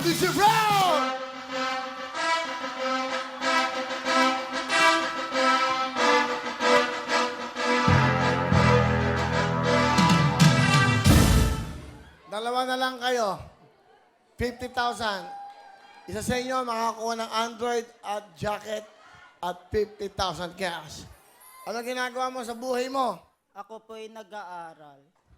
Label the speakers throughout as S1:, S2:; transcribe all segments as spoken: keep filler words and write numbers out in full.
S1: mister Brown! Dalawa na lang kayo. fifty thousand. Isa sa inyo makakuha ng Android at jacket at fifty thousand cash. Ano ginagawa mo sa buhay mo?
S2: Ako po'y nag-aaral.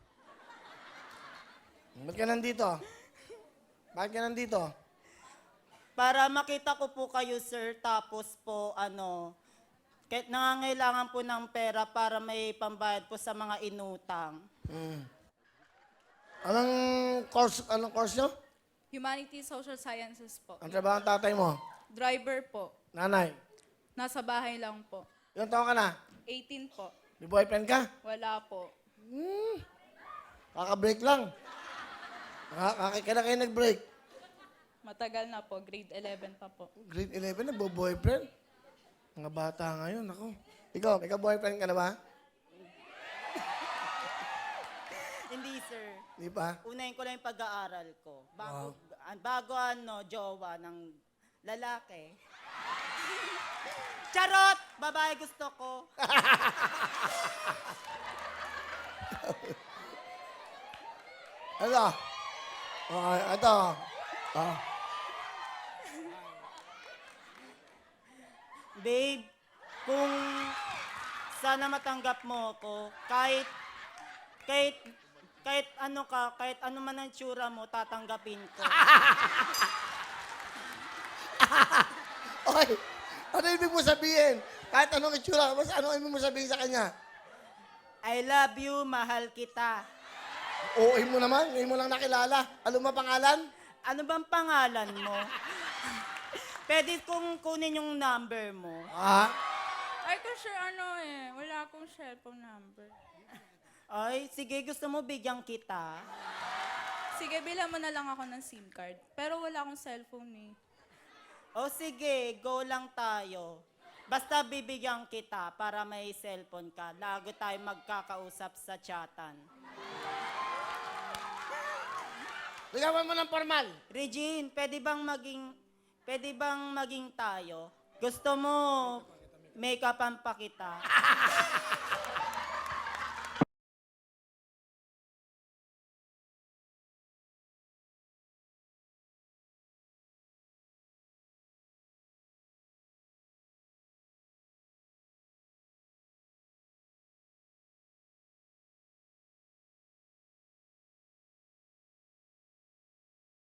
S1: Ba't ka nandito? Bakit ka nandito?
S2: Para makita ko po kayo, sir, tapos po, ano, kahit nangangailangan po ng pera para may pambayad po sa mga inutang.
S1: Hmm. Anong course, anong course nyo?
S3: Humanities, Social Sciences po.
S1: Ang trabaho ng tatay mo?
S3: Driver po.
S1: Nanay?
S3: Nasa bahay lang po.
S1: Ilang taon ka na?
S3: eighteen po.
S1: May boyfriend ka?
S3: Wala po.
S1: Hmm. Kaka-break lang. Kaka kaya na kayo nag-break?
S3: Matagal na po. Grade eleven pa po.
S1: Grade eleven, nagbo-boyfriend? Mga bata ngayon, ako. Ikaw, may ka-boyfriend ka na ba?
S2: Hindi, sir.
S1: Di pa?
S2: Unahin ko lang yung pag-aaral ko. Bago, an- bago ano, jowa ng lalaki. Charot! Babae gusto ko.
S1: Ano? Okay, ito. Ah.
S2: Babe, kung sana matanggap mo ako, kahit, kahit, kahit ano ka, kahit ano man ang tsura mo, tatanggapin ko.
S1: Okay. Ano ibig mo sabihin? Kahit anong itsura, basta ano ibig mo sabihin sa kanya?
S2: I love you, mahal kita.
S1: Oo, mo naman. Ngayon mo lang nakilala. Ano mo pangalan?
S2: Ano bang pangalan mo? Pwede kong kunin yung number mo.
S1: Ah?
S3: Ay, kasi ano eh. Wala akong cellphone number.
S2: Ay, sige, gusto mo bigyan kita?
S3: Sige, bilang mo na lang ako ng SIM card. Pero wala akong cellphone eh.
S2: O sige, go lang tayo. Basta bibigyan kita para may cellphone ka. Lago tayo magkakausap sa chatan.
S1: Ligawan mo ng formal.
S2: Regine, pwede bang maging, pwede bang maging tayo? Gusto mo make-upan pa kita?